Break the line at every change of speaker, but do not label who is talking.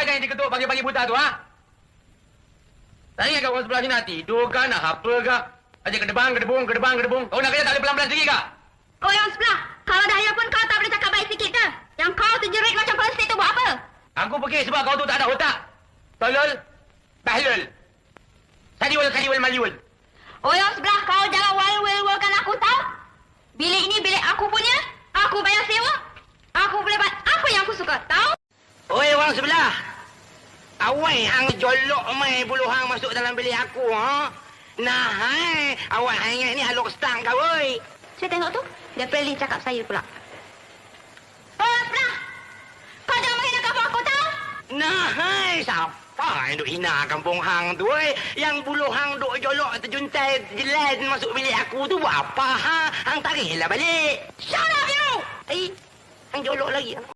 kan yang diketuk pagi-pagi buta tu, ha? Tak ingat kat orang sebelah sini nak tidur kan, nak apa ke? Aja kedebang. Kau nak kerja tak boleh pelan-pelan sikit ke?
Oh, yang sebelah. Kalau dahaya pun kau tak boleh cakap baik sikit ke? Yang kau terjerit macam persik tu buat apa?
Aku fikir sebab kau tu tak ada otak. Tolol, bahlul. Kadiwal, maliwal.
Oh, yang sebelah. Kau jangan wal-wal-walkan aku, tahu? Bilik ini bilik aku punya. Aku bayar sewa. Aku boleh buat apa yang aku suka, tahu?
Oi, orang sebelah. Awak hang jolok mai bulu hang masuk dalam bilik aku, ha? Nah, hai. Awak hang ingat ni haluk stang kau, oi.
Saya tengok tu. Dia Preli cakap saya pula. Oh, yang sebelah. Kau jangan menghina kampung aku, tahu?
Nah, hai. Siapa yang duk hina kampung hang tu, oi? Yang bulu hang duk jolok terjuntai jelas masuk bilik aku tu buat apa, ha? Hang tariklah balik.
Shut up, you!
Hang jolok lagi.